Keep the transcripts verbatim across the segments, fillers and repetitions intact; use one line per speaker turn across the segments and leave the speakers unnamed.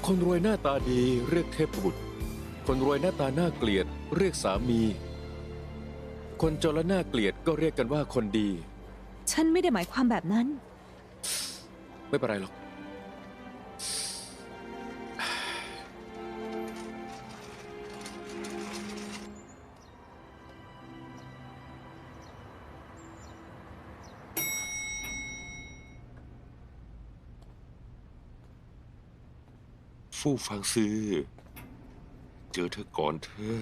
คนรวยหน้าตาดีเรียกเทพบุตรคนรวยหน้าตาน่าเกลียดเรียกสามี คนจนและน่าเกลียดก็เรียกกันว่าคนดี
ฉันไม่ได้หมายความแบบนั้น
ไม่เป็นไรหรอกฟู่ฟังซื้อเจอเธอก่อนเธอ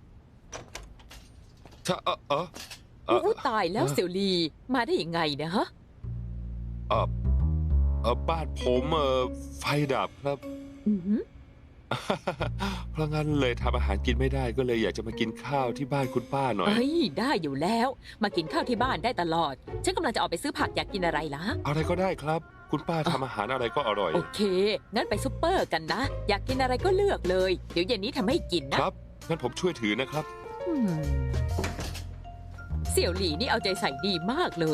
ถ้าเออเออเออ
อู้ตายแล้วเสี่ยวลีมาได้ยังไงเนี่ยฮะ
เออเออบ้านผมเออไฟดับครับ
อือหือ
เพราะงั้นเลยทำอาหารกินไม่ได้ก็เลยอยากจะมากินข้าวที่บ้านคุณป้าหน่อย
เอ้ยได้อยู่แล้ว มากินข้าวที่บ้านได้ตลอด ฉันกำลังจะออกไปซื้อผักอยากกินอะไรล่ะ
อะไรก็ได้ครับ คุณป้าทำอาหารอะไรก็อร่อย
โอเค งั้นไปซุปเปอร์กันนะ อยากกินอะไรก็เลือกเลย เดี๋ยวเย็นนี้ทำให้กินนะครับ
งั้นผมช่วยถือนะครับ
อืมเสี่ยวหลี่นี่เอาใจใส่ดีมากเลย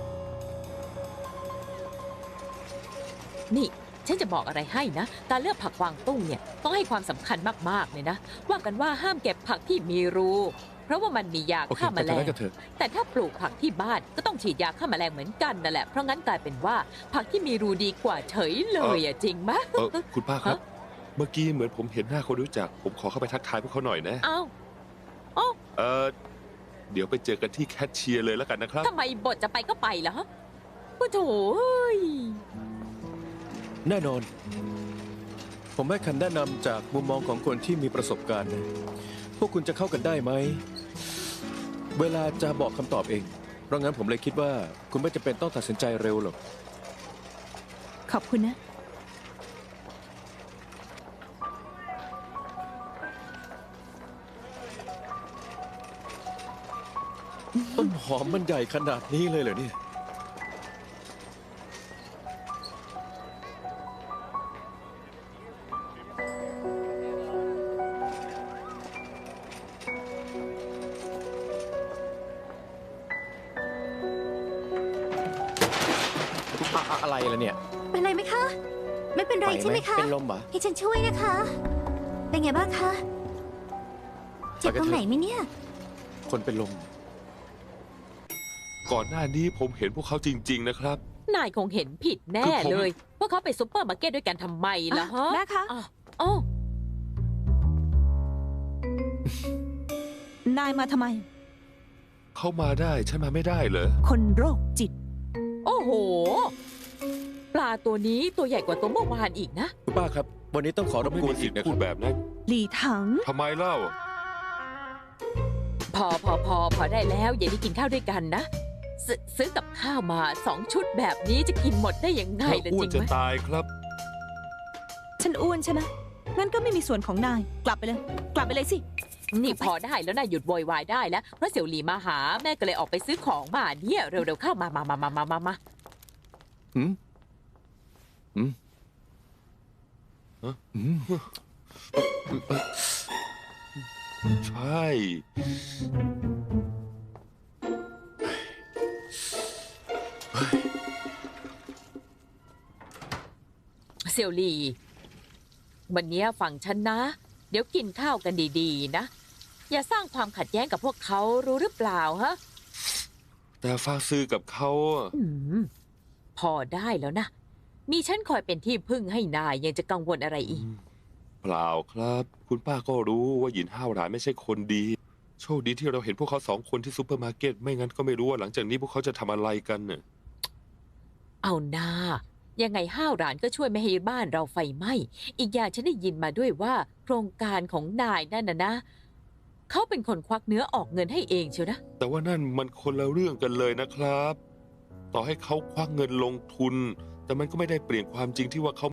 นี่ฉันจะบอกอะไรให้นะ การเลือกผักกวางตุ้งเนี่ยต้องให้ความสำคัญมากๆเลยนะ ว่ากันว่าห้ามเก็บผักที่มีรู เพราะว่ามันมียาฆ่าแมลงแต่ถ้าปลูกผักที่บ้านก็ต้องฉีดยาฆ่าแมลงเหมือนกันนั่นแหละ เพราะงั้นกลายเป็นว่าผักที่มีรูดีกว่าเฉยเลยอะจริงไหม
เออคุณป้าครับ เมื่อกี้เหมือนผมเห็นหน้าคนรู้จัก ผมขอเข้าไปทักทายพวกเขาหน่อยนะ
อ้าวอ๋อ
เออเดี๋ยวไปเจอกันที่แคชเชียร์เลยแล้วกันนะครับ
ทำไมบทจะไปก็ไปเหรอฮะโอ้โถ
แน่นอน ผมให้คำแนะนำจากมุมมองของคนที่มีประสบการณ์นะพวกคุณจะเข้ากันได้ไหมเวลาจะบอกคำตอบเองเพราะงั้นผมเลยคิดว่าคุณไม่จำเป็นต้องตัดสินใจเร็วหรอก
ขอบคุณนะ
ต้นหอมมันใหญ่ขนาดนี้เลยเหรอเนี่ยอะไรล่ะเนี่ย
เป็นไรไหมคะไม่เป็นไรใช่ไหมคะ
เป็นลมเหรอ
ให้ฉันช่วยนะคะเป็นไงบ้างคะเจ็บตรงไหนไหมเนี่ย
คนเป็นลมก่อนหน้านี้ผมเห็นพวกเขาจริงๆนะครับ
นายคงเห็นผิดแน่เลยพวกเขาไปซุปเปอร์มาร์เก็ตด้วยกันทำไมล่ะฮะ
แม่คะ
อ๋อ
นายมาทำไม
เขามาได้ฉันมาไม่ได้เหรอ
คนโรคจิต
โอ้โหปลาตัวนี้ตัวใหญ่กว่าตัวเมื่อวานอีกนะ
คุณป้าครับวันนี้ต้องขอรบกวนอีกนะพูดแบบนั้น
หลี่ถัง
ทำไมเล่า
พอพอพอพอได้แล้วอย่าได้กินข้าวด้วยกันนะซซื้อกับข้าวมาสองชุดแบบนี้จะกินหมดได้ยังไงล่ะจริงไหมอ้วน
จะตายครับ
ฉันอ้วนใช่ไหมงั้นก็ไม่มีส่วนของนายกลับไปเลยกลับไปเลยสิ
นี่พอได้แล้วนายหยุดโวยวายได้แล้วเพราะเสี่ยวหลี่มาหาแม่ก็เลยออกไปซื้อของมาเนี่ยเร็วๆเข้ามามามามามามามา
หืมหืมฮะหืมใช่
เสี่ยวหลี่วันนี้ฟังฉันนะเดี๋ยวกินข้าวกันดีๆนะอย่าสร้างความขัดแย้งกับพวกเขารู้หรือเปล่าฮะ
แต่ฟาซื้อกับเขา
อืมพอได้แล้วนะมีฉันคอยเป็นที่พึ่งให้นายยังจะกังวลอะไรอีก
เปล่าครับคุณป้าก็รู้ว่าหยินห้าวหลานไม่ใช่คนดีโชคดีที่เราเห็นพวกเขาสองคนที่ซูเปอร์มาร์เก็ตไม่งั้นก็ไม่รู้ว่าหลังจากนี้พวกเขาจะทำอะไรกันเน่ะ
เอาหน้ายังไงห้าวหลานก็ช่วยไม่ให้บ้านเราไฟไหม้อีกอย่างฉันได้ยินมาด้วยว่าโครงการของนายนั่นน่ะนะเขาเป็นคนควักเนื้อออกเงินให้เองเชียวนะ
แต่ว่านั่นมันคนละเรื่องกันเลยนะครับต่อให้เขาควักเงินลงทุนแต่มันก็ไม่ได้เปลี่ยนความจริงที่ว่าเขา